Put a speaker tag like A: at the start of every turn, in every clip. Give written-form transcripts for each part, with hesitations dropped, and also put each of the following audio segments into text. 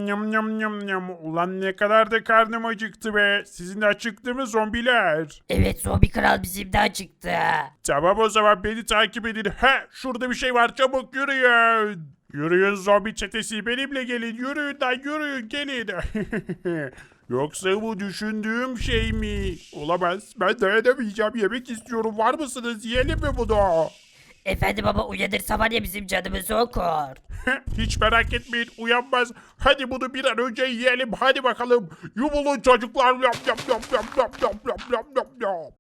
A: Nyam nyam nyam nyam. Ulan ne kadar da karnım acıktı be. Sizin de acıktı mı zombiler?
B: Evet zombi kral bizim de acıktı.
A: Tamam o zaman beni takip edin. He şurada bir şey var, çabuk yürüyün. Yürüyün zombi çetesi, benimle gelin, yürüyün lan, yürüyün gelin. Yoksa bu düşündüğüm şey mi? Olamaz, ben dayanamayacağım, yemek istiyorum, var mısınız, yiyelim mi bunu?
B: Efendi baba uyanırsa var ya bizim canımızı okur.
A: Hiç merak etmeyin, uyanmaz. Hadi bunu bir an önce yiyelim, hadi bakalım. Yumulun çocuklar. Yap yap yap yap yap yap yap yap yap yap.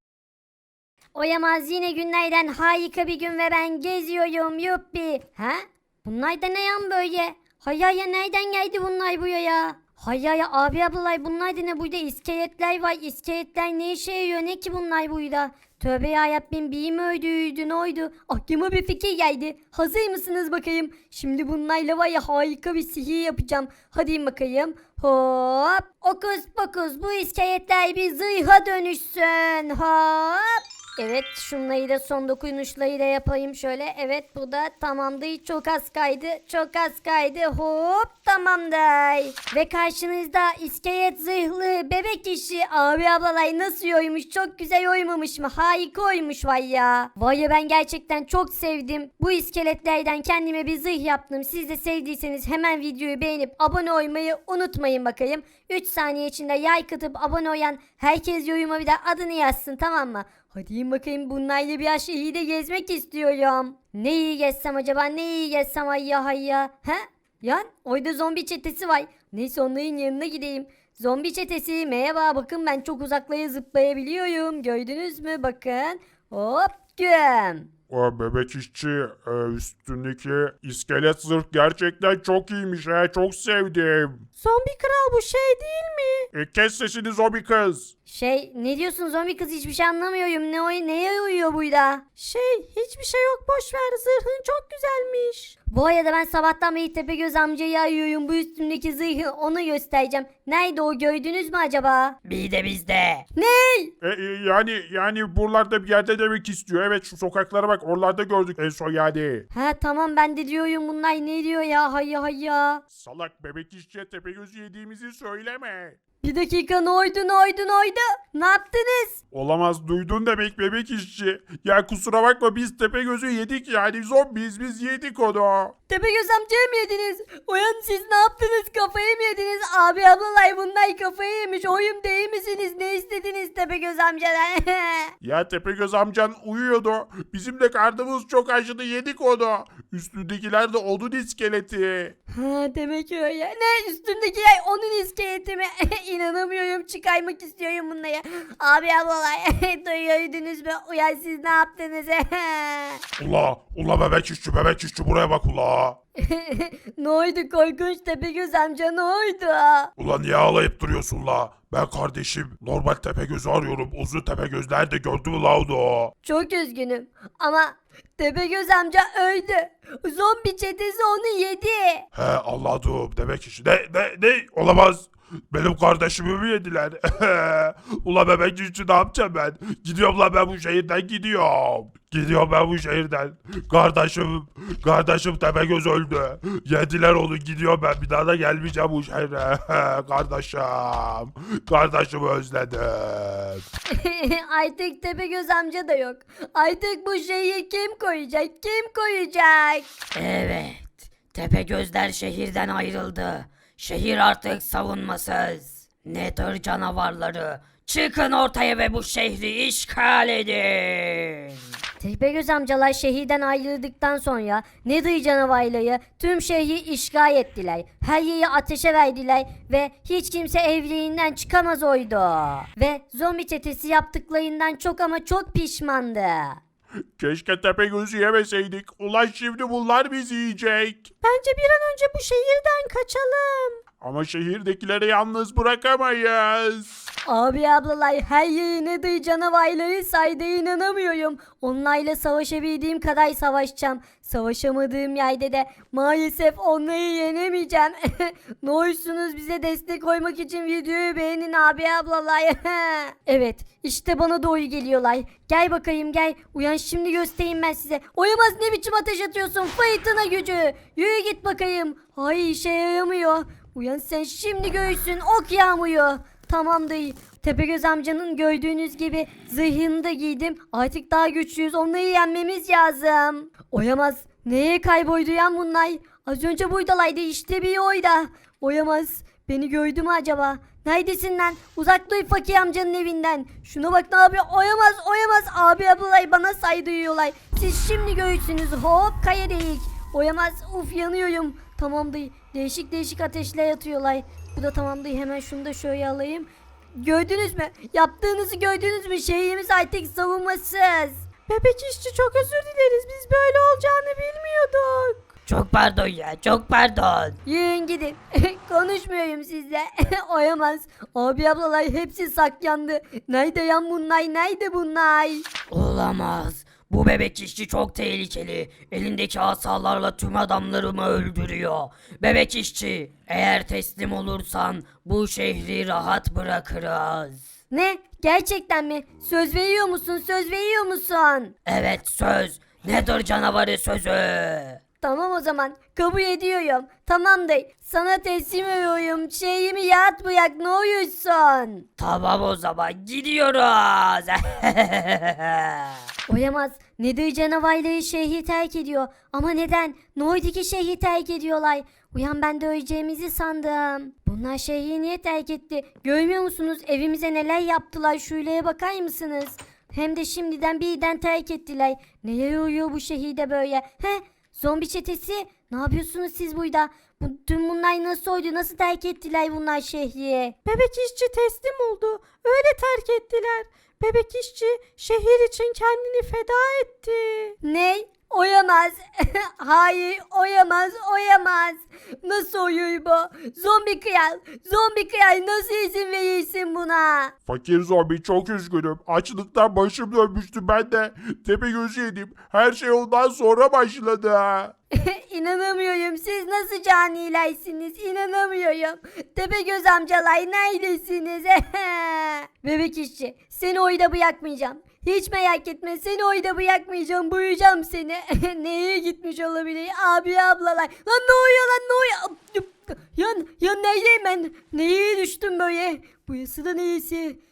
C: Oyamaz, yine günlerden harika bir gün ve ben geziyorum, yuppi. Ha? Bunlar da ne yan böyle? Hayaya nereden geldi bunlar buraya ya? Hayaya abi ablalar, bunlar da ne burada? İskeletler var. İskeletler ne işe yarıyor, ne ki bunlar burada? Tövbe yarabbim, biri mi öldüydü, ne oydu? Aklıma bir fikir geldi. Hazır mısınız bakayım? Şimdi bunlarla var ya harika bir sihir yapacağım. Hadi bakayım. Hop. Okus pokus, bu iskeletler bir zırha dönüşsün. Hop. Evet, şunları da son dokunuşları da yapayım şöyle. Evet, bu da tamamdır. Çok az kaydı. Çok az kaydı. Hop, tamamdır. Ve karşınızda iskelet zırhlı bebek işi. Abi ablalay nasıl oymuş? Çok güzel oymamış mı? Harika oymuş vay ya. Vay ya, ben gerçekten çok sevdim. Bu iskeletlerden kendime bir zırh yaptım. Siz de sevdiyseniz hemen videoyu beğenip abone olmayı unutmayın bakayım. 3 saniye içinde like atıp abone olan herkes yoruma bir de adını yazsın, tamam mı? Hadi bakayım, bunlarla bir aşağıyı da gezmek istiyorum. Ne iyi gezsem acaba, ne iyi gezsem, hayya hayya. He? Yan orada zombi çetesi var. Neyse, onların yanına gideyim. Zombi çetesi merhaba, bakın ben çok uzaklara zıplayabiliyorum. Gördünüz mü, bakın. Hop güm.
A: O bebek işçi, üstündeki iskelet zırh gerçekten çok iyiymiş, çok sevdim.
C: Zombi kral, bu şey değil mi?
A: Kes sesini zombi kız.
C: Ne diyorsun zombi kız, hiçbir şey anlamıyorum. Neye uyuyor burada? Hiçbir şey yok, boş ver, zırhın çok güzelmiş. Bu arada ben sabahtan beri Tepegöz amcayı arıyorum. Bu üstümdeki zırhı ona göstereceğim. Nerede o, gördünüz mü acaba?
B: Bir de bizde.
A: Yani buralarda bir yerde demek istiyor. Evet, şu sokaklara bak, oralarda gördük en son yani.
C: Ha tamam, ben de diyorum bunlar ne diyor ya, hayya hayya.
A: Salak bebek işçiye Tepegöz'ü yediğimizi söyleme.
C: Bir dakika, ne oydu? Ne yaptınız?
A: Olamaz, duydun demek bebek işçi. Ya kusura bakma, biz Tepegöz'ü yedik, yani zombiyiz, biz yedik onu.
C: Tepegöz amcayı mı yediniz? Uyan, siz ne yaptınız? Kafayı mı yediniz? Abi ablalay, bunlar kafayı yemiş. Oyum değil misiniz? Ne istediniz Tepegöz amcadan?
A: Ya Tepegöz amcan uyuyordu. Bizim de karnımız çok acıdı, yedik onu. Üstündekiler de onun iskeleti.
C: Ha, demek öyle. Ne, üstümdeki yay onun iskeleti mi? İnanamıyorum, çıkarmak istiyorum bunları. Abi ablalay, duyuyordunuz mu? Uyan, siz ne yaptınız?
A: Ula bebek işçi buraya bak ula.
C: Ne oldu korkunç Tepegöz amca, ne oldu?
A: Ulan niye ağlayıp duruyorsun la? Ben kardeşim normal Tepegöz'ü arıyorum. Uzun Tepegöz nerede, gördün mü la onu?
C: Çok üzgünüm ama Tepegöz amca öldü. Zombi çetesi onu yedi.
A: He anladım, demek işi. Ne? Olamaz. Benim kardeşimi mi yediler? Ula bebek işçi, ne yapacağım ben? Gidiyorum la, ben bu şehirden gidiyorum. Gidiyorum ben bu şehirden. Kardeşim Tepegöz öldü. Yediler onu, gidiyorum ben. Bir daha da gelmeyeceğim bu şehre. Kardeşimi özledim.
C: Artık Tepegöz amca da yok. Artık bu şeyi kim koyacak? Kim koyacak?
B: Evet. Tepegözler şehirden ayrıldı. Şehir artık savunmasız. Nether canavarları, çıkın ortaya ve bu şehri işgal edin.
C: Tepegöz amcalar şehirden ayrıldıktan sonra Nether canavarları tüm şehri işgal ettiler. Her yeri ateşe verdiler ve hiç kimse evlerinden çıkamaz oydu. Ve zombi çetesi yaptıklarından çok ama çok pişmandı.
A: Keşke Tepegöz'ü yemeseydik. Ulan şimdi bunlar bizi yiyecek.
C: Bence bir an önce bu şehirden kaçalım.
A: Ama şehirdekileri yalnız bırakamayız.
C: Abi ablalar, her yeri Nether canavarları saydı, inanamıyorum. Onlarla savaşabildiğim kadar savaşacağım. Savaşamadığım yerde de maalesef onları yenemeyeceğim. Ne olursunuz bize destek koymak için videoyu beğenin abi ablalar. Evet, işte bana doğru geliyorlar. Gel bakayım, gel. Uyan, şimdi göstereyim ben size. Oyamaz, ne biçim ateş atıyorsun? Fırtına gücü. Yürü git bakayım. Ay, işe yaramıyor. Uyan sen şimdi göğsün ok yağmuyor. Tamamdır. Tepegöz amcanın gördüğünüz gibi zırhını da giydim. Artık daha güçlüyüz. Onları yenmemiz lazım. Oyamaz. Neye kayboldu ya bunlar? Az önce buradalaydı. İşte bir oyda. Oyamaz. Beni gördü mü acaba? Neredesin lan? Uzak dur fakir amcanın evinden. Şuna bak ne yapıyor? Oyamaz oyamaz. Abi ablalay bana saydırıyorlar. Siz şimdi göğsünüz. Hop kaya delik. Oyamaz. Uf yanıyorum. Tamamdır. Değişik değişik ateşler atıyorlar. Bu da tamamdır. Hemen şunu da şöyle alayım. Gördünüz mü? Yaptığınızı gördünüz mü? Şehrimiz artık savunmasız. Bebek işçi çok özür dileriz. Biz böyle olacağını bilmiyorduk.
B: Çok pardon ya, çok pardon.
C: Yürüyün gidin. Konuşmuyorum sizle. Oyamaz. Abi ablalar hepsi saklandı. Nerede yan bunlar? Nerede bunlar?
B: Olamaz. Bu bebek işçi çok tehlikeli. Elindeki asalarla tüm adamlarımı öldürüyor. Bebek işçi, eğer teslim olursan bu şehri rahat bırakırız.
C: Ne? Gerçekten mi? Söz veriyor musun? Söz veriyor musun?
B: Evet söz. Nedir canavarı sözü?
C: Tamam o zaman. Kabul ediyorum. Tamamdır. Sana teslim ediyorum. Şeyimi yat bırak ne uyuyorsun?
B: Tamam o zaman gidiyoruz.
C: Oyamaz. Nedir canavarları şehri terk ediyor. Ama neden? Ne oldu ki şehri terk ediyorlar? Uyan ben de öleceğimizi sandım. Bunlar şehri niye terk etti? Görmüyor musunuz? Evimize neler yaptılar? Şuraya bakar mısınız? Hem de şimdiden birden terk ettiler. Neler oluyor bu şehirde böyle? He? Zombi çetesi? Ne yapıyorsunuz siz burada? Tüm bunlar nasıl oldu? Nasıl terk ettiler bunlar şehri?
D: Bebek işçi teslim oldu. Öyle terk ettiler. Bebek işçi şehir için kendini feda etti.
C: Ne? Oyamaz. Hayır, oyamaz, oyamaz. Nasıl oyuyor bu? Zombi kral, zombi kral nasıl izin verirsin buna?
A: Fakir zombi çok üzgünüm. Açlıktan başım dönmüştü ben de. Tepegöz'ü yedim. Her şey ondan sonra başladı.
C: İnanamıyorum. Siz nasıl canilersiniz? İnanamıyorum. Tepegöz amcalar neredesiniz? Bebek işçi, seni oyda bırakmayacağım. Hiç merak etme, seni oyda bırakmayacağım. Buyuracağım seni. Neye gitmiş olabilir? Abi ablalar. Lan ne oluyor lan ne oluyor? Ya neredeyim ben? Neye düştüm böyle? Burası da neyisi?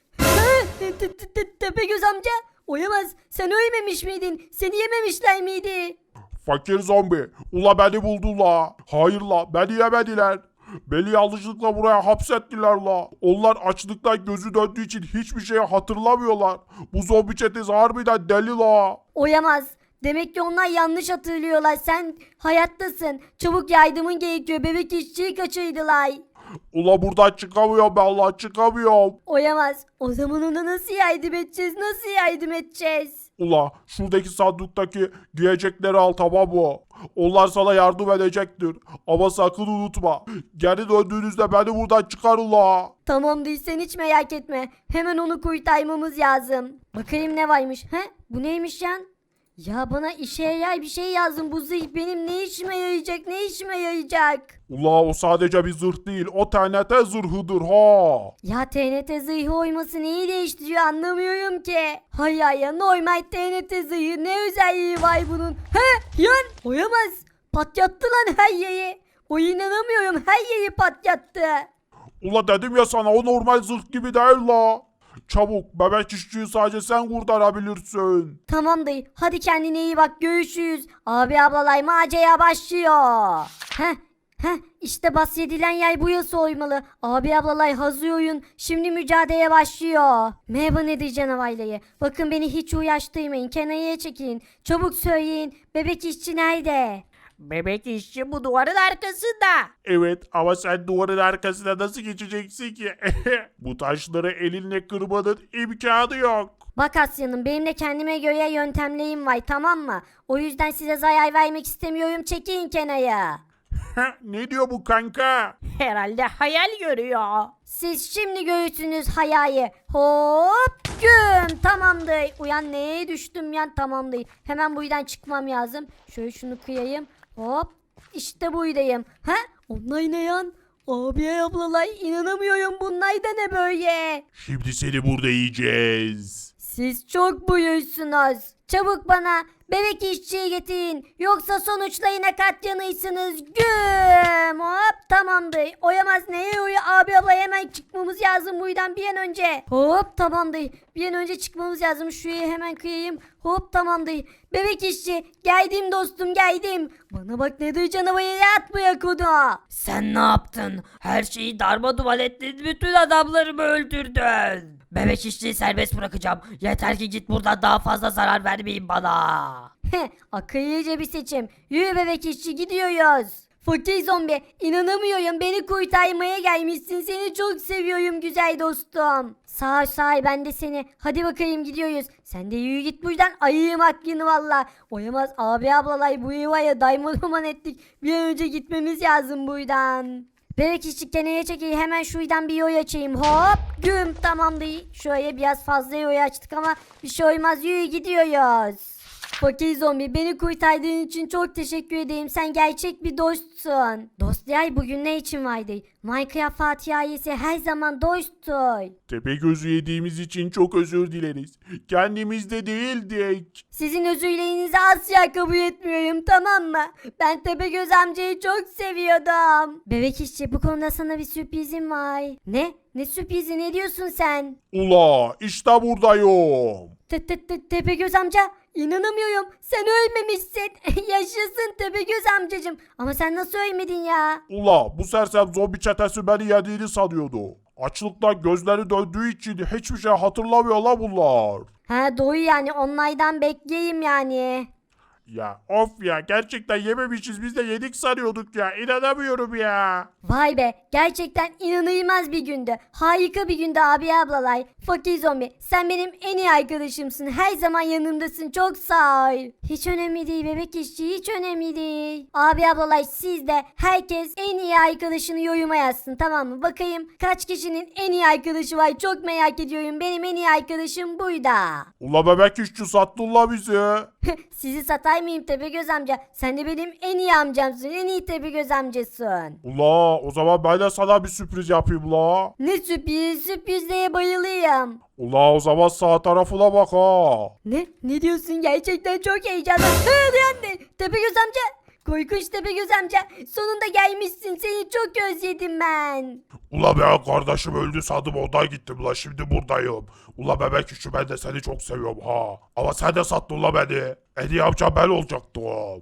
C: Tepegöz amca. Oyamaz. Sen ölmemiş miydin? Seni yememişler miydi?
A: Fakir zombi. Ula beni buldular. Hayır la beni yemediler. Beni yanlışlıkla buraya hapsettiler la. Onlar açlıktan gözü döndüğü için hiçbir şeyi hatırlamıyorlar. Bu zombi çetesi harbiden deli la.
C: Oyamaz. Demek ki onlar yanlış hatırlıyorlar. Sen hayattasın. Çabuk yardımın gerekiyor. Bebek işçiyi kaçırdılar.
A: Ula buradan çıkamıyorum ben la çıkamıyorum.
C: Oyamaz. O zaman ona nasıl yardım edeceğiz? Nasıl yardım edeceğiz?
A: Ula şuradaki sanduktaki giyecekleri al tamam mı? Onlar sana yardım edecektir. Ama sakın unutma. Geri döndüğünüzde beni buradan çıkarın la.
C: Tamamdır sen hiç merak etme. Hemen onu kurtarmamız lazım. Bakayım ne varmış. He? Bu neymiş yan? Ya bana işe yarar bir şey yazın. Bu zırh benim ne işime yarayacak? Ne işime yarayacak?
A: Ula o sadece bir zırh değil. O TNT zırhıdır ha.
C: Ya TNT zırhı oyması neyi değiştiriyor anlamıyorum ki. Hayır ya normal TNT zırhı ne özelliği var bunun? He yan oyamaz. Patlattı lan her yeri. O inanamıyorum her yeri patlattı.
A: Ula dedim ya sana o normal zırh gibi değil la. Çabuk bebek işçiyi sadece sen kurtarabilirsin.
C: Tamamdır hadi kendine iyi bak görüşürüz. Abi ablalay macera başlıyor. İşte bahsedilen yer bu yasa oymalı. Abi ablalay hazır oyun. Şimdi mücadele başlıyor. Merhaba nedir canavarlayı? Bakın beni hiç uğraştırmayın. Kenara çekilin. Çabuk söyleyin. Bebek işçi nerede?
D: Bebek işçi bu duvarın arkasında.
A: Evet ama sen duvarın arkasına nasıl geçeceksin ki? Bu taşları elinle kırmanın imkanı yok.
C: Bak Asya'nın benim de kendime göre yöntemlerim var tamam mı? O yüzden size zarar vermek istemiyorum. Çekilin kenara.
A: Ne diyor bu kanka?
D: Herhalde hayal görüyor.
C: Siz şimdi görürsünüz hayayı. Hop güm tamamdır. Uyan neye düştüm ya tamamdır. Hemen buradan çıkmam lazım. Şöyle şunu kıyayım. Hop işte buradayım. Onlar ne yan? Abi ablalar inanamıyorum bunlar da ne böyle?
A: Şimdi seni burada yiyeceğiz.
C: Siz çok buyursunuz. Çabuk bana Bebek işçiyi getirin. Yoksa sonuçlayına katlanırsınız. Güm. Hop tamamdır. Oyamaz neye uyu abi abla hemen çıkmamız lazım buradan bir an önce. Hop tamamdır. Bir an önce çıkmamız lazım. Şuraya hemen kıyayım. Hop tamamdır. Bebek işçi geldim dostum geldim. Bana bak ne canavarı at bu yakuda.
B: Sen ne yaptın? Her şeyi darmadağın ettin. Bütün adamlarımı öldürdün. Bebek işçiyi serbest bırakacağım. Yeter ki git buradan, daha fazla zarar vermeyin bana.
C: Akıllıca bir seçim. Yürü bebek işçi gidiyoruz. Fakir zombi inanamıyorum beni kurtarmaya gelmişsin. Seni çok seviyorum güzel dostum. Sağ ol, sağ ol, ben de seni. Hadi bakayım gidiyoruz. Sen de yürü git buradan, ayıyım aklını valla. Oyamaz abi ablalay bu yuvaya daymalıman ettik. Bir an önce gitmemiz lazım buradan. Bebek işçi keneye çekeyim, hemen şuradan bir yol açayım. Hop güm tamamdır. Şuraya biraz fazla yol açtık ama bir şey olmaz, yürü gidiyoruz. Fakir zombi beni kurtardığın için çok teşekkür ederim. Sen gerçek bir dostsun. Dostlar bugün ne için vardı? Minecraft Fatiha'yesi her zaman dosttur.
A: Tepegöz'ü yediğimiz için çok özür dileriz. Kendimiz de değildik.
C: Sizin özürlerinizi asla kabul etmiyorum, tamam mı? Ben Tepegöz amcayı çok seviyordum. Bebek işçi bu konuda sana bir sürprizim var. Ne? Ne sürprizi, ne diyorsun sen?
A: Ula işte buradayım.
C: Tepegöz amca inanamıyorum. Sen ölmemişsin. Yaşasın Tepegöz amcacım. Ama sen nasıl ölmedin ya?
A: Ula bu sersem zombi çetesi beni yediğini sanıyordu. Açlıktan gözleri döndüğü için hiçbir şey hatırlamıyor la bunlar.
C: Ha doğru, yani onlardan bekleyeyim yani.
A: Ya of ya, gerçekten yememişiz, biz de yedik sanıyorduk ya, inanamıyorum ya.
C: Vay be, gerçekten inanılmaz bir gündü. Harika bir gündü abi ablalay. Fakir zombi sen benim en iyi arkadaşımsın. Her zaman yanımdasın, çok sağ ol. Hiç önemli değil bebek işçi, hiç önemli değil. Abi ablalay siz de herkes en iyi arkadaşını yoruma yazsın, tamam mı? Bakayım kaç kişinin en iyi arkadaşı var, çok merak ediyorum. Benim en iyi arkadaşım buydu.
A: Ula bebek işçi sattın la bizi.
C: Sizi satay mıyım Tepegöz amca? Sen de benim en iyi amcamsın, en iyi Tepegöz amcasın.
A: Ula o zaman ben de sana bir sürpriz yapayım la.
C: Ne sürpriz, sürprizlere bayılıyorum.
A: Ula o zaman sağ tarafına bak ha.
C: Ne? Ne diyorsun? Gerçekten çok heyecanlı. Hadi Tepegöz amca. Korkunç Tepegöz amca. Sonunda gelmişsin. Seni çok özledim ben.
A: Ula ben kardeşim öldü sandım, ondan gittim la, şimdi buradayım. Ula bebek işçi ben de seni çok seviyorum ha. Ama sen de sattın la beni. En iyi amcam ben olacaktım.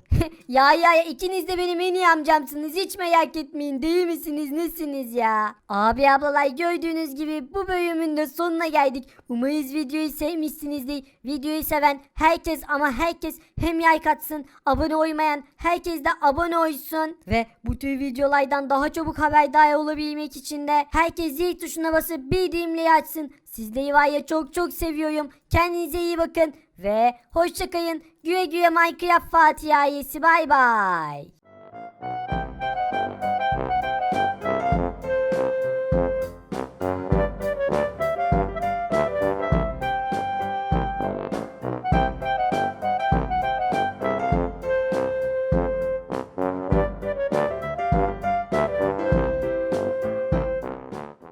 C: Ya ikiniz de benim en iyi amcamsınız. Hiç merak etmeyin. Değil misiniz? Nesiniz ya? Abi ablalar gördüğünüz gibi bu bölümün de sonuna geldik. Umarız videoyu sevmişsinizdir. Videoyu seven herkes ama herkes hem like atsın. Abone olmayan herkes de abone olsun. Ve bu tür videolardan daha çabuk haberdar olabilmek için de herkes zil tuşuna basıp bildirimleri açsın. Sizleri var ya çok çok seviyorum. Kendinize iyi bakın. Ve hoşça kalın. Güle güle Minecraft Fatih ailesi. Bay bay.